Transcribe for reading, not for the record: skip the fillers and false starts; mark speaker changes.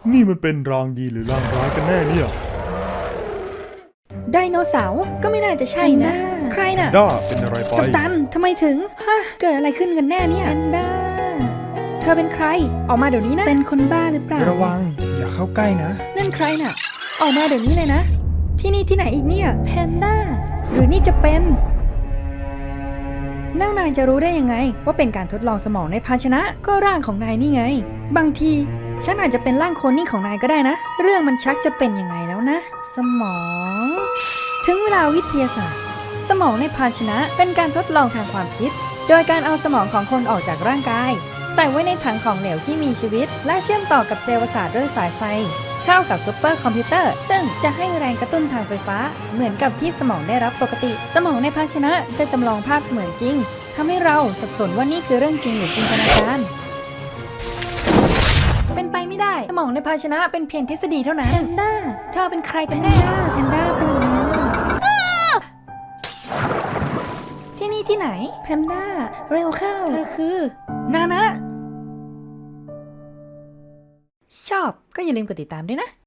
Speaker 1: นี่มันเป็นรางดีหรือรางร้ายกันแน่เนี่ย
Speaker 2: ไดโนเสาร์ก็ไม่น่าจะใช่นะ ใครน่ะ
Speaker 1: ด้าเป็นอะไรไป
Speaker 2: กัปตันทำไมถึงฮะเกิดอะไรขึ้นกันแน่เนี่ยแพนด้าเธอเป็นใครออกมาเดี๋ยวนี้นะเป็นคนบ้าหรือเปล่า
Speaker 3: ระวังอย่าเข้าใกล้นะ
Speaker 2: นั่นใครน่ะออกมาเดี๋ยวนี้เลยนะที่นี่ที่ไหนอีกเนี่ยแพนด้าหรือนี่จะเป็นแล้วนายจะรู้ได้ยังไงว่าเป็นการทดลองสมองในภาชนะก็ร่างของนายนี่ไงบางทีฉันอาจจะเป็นร่างโคลนนิ่งของนายก็ได้นะเรื่องมันชักจะเป็นยังไงแล้วนะสมองถึงเวลาวิทยาศาสตร์สมองในภาชนะเป็นการทดลองทางความคิดโดยการเอาสมองของคนออกจากร่างกายใส่ไว้ในถังของเหลวที่มีชีวิตและเชื่อมต่อกับเซลล์ประสาทด้วยสายไฟเข้ากับซุปเปอร์คอมพิวเตอร์ซึ่งจะให้แรงกระตุ้นทางไฟฟ้าเหมือนกับที่สมองได้รับปกติสมองในภาชนะจะจำลองภาพเสมือนจริงทำให้เราสับสนว่านี่คือเรื่องจริงหรือจินตนาการเป็นไปไม่ได้สมองในภาชนะเป็นเพียงทฤษฎีเท่านั้นแพนด้าเธอเป็นใครกันแน่แพนด้าเป็นที่นี่ที่ไหนแพนด้าเร็วเข้าเธอคือนานะชอบก็อย่าลืมกดติดตามด้วยนะ